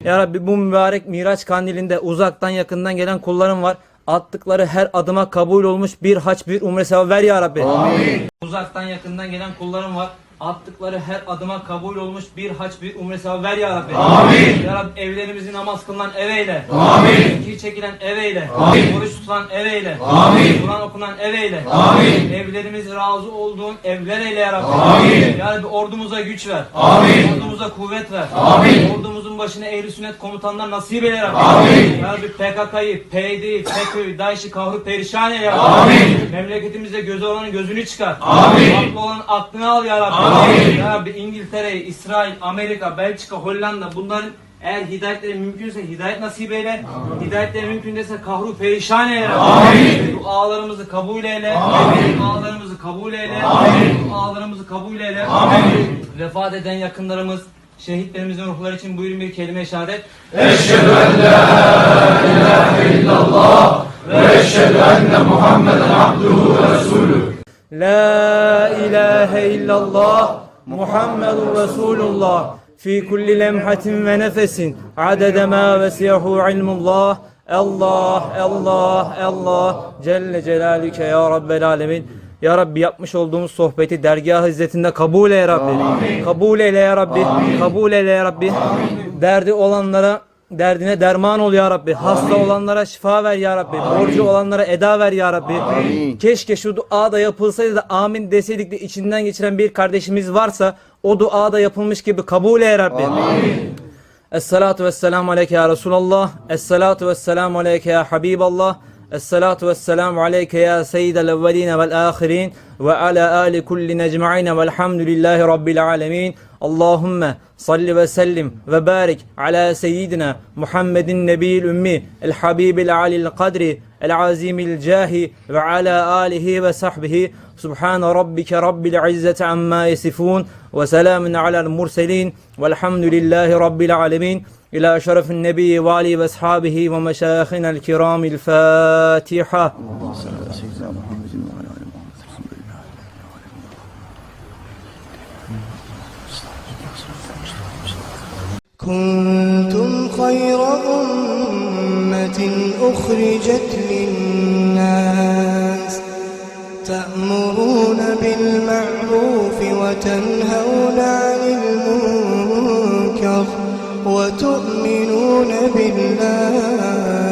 Ya Rabbi, bu mübarek Miraç kandilinde uzaktan yakından gelen kullarım var. Attıkları her adıma kabul olmuş bir hac bir umre sevabı ver ya Rabbi. Amin. Uzaktan yakından gelen kullarım var. Attıkları her adıma kabul olmuş bir hac bir umre sevabı ver ya Rabbi. Amin. Ya Rabbi, evlerimizi namaz kılınan ev eyle. Amin. Zikir çekilen ev eyle. Amin. Oruç tutulan ev eyle. Amin. Kur'an okunan ev eyle. Amin. Evlerimiz razı olduğun evler eyle ya Rabbi. Amin. Ya Rabbi, ordumuza güç ver. Amin. Ordumuza kuvvet ver. Amin. Ordumuzun başına ehli sünnet komutanlar nasip eyle ya Rabbi. Amin. Ya Rabbi, PKK'yı, PYD'yi, FETÖ'yü, DAEŞ'i kahru perişan eyle ya Rabbi. Amin. Memleketimizde gözü olanın gözünü çıkar. Amin. Aklı olanın aklını al ya Rabbi. Amin. Ya Rabbi, İngiltere, İsrail, Amerika, Belçika, Hollanda, bunların eğer hidayetleri mümkünse hidayet nasip eyle. Hidayetleri mümkün değilse kahru perişan eyle. Amin. Dualarımızı kabul eyle. Amin. Dualarımızı kabul eyle. Amin. Dualarımızı kabul eyle. Amin. Vefat eden yakınlarımız, şehitlerimizin ruhları için buyurun bir kelime-i şehadet. Eşhedü en la ilahe illallah ve eşhedü enne Muhammeden abduhu ve resulü. La ilahe illallah Muhammedun Resulullah fi kulli lemhatin ve nefesin adede ma vesiyahu ilmullah. Allah, Allah, Allah Celle Celaluke ya Rabbel Alemin. Ya Rabbi, yapmış olduğumuz sohbeti dergâh-ı izzetinde kabul eyle ya Rabbi. Amin. Kabul eyle ya Rabbi. Amin. Kabul eyle ya Rabbi. Derdi olanlara derdine derman ol ya Rabbi. Hasta olanlara şifa ver ya Rabbi. Borcu olanlara eda ver ya Rabbi. Keşke şu dua da yapılsaydı da amin deseydik de içinden geçiren bir kardeşimiz varsa o dua da yapılmış gibi kabul eyle ya Rabbi. Esselatu vesselamu aleyke ya Resulallah. Esselatu vesselamu aleyke ya Habiballah. Esselatu vesselamu aleyke ya seyyidel evveline vel ahirin ve ala ali kulli necma'ine velhamdülillahi rabbil alemin. Allahümme salli ve sellim ve barik ala seyyidina Muhammedin nebiyil ümmi el habibil alil kadri el azimil cahi ve ala alihi ve sahbihi. Subhane rabbike rabbil izzeti amma yesifun ve selamun alel murselin velhamdülillahi rabbil alemin. İlâ şerefin nebiyyi ve ali ve ashabihi ve meşâyihina kiramil Fatiha. كنتم خير أمة أخرجت للناس تأمرون بالمعروف وتنهون عن المنكر وتؤمنون بالله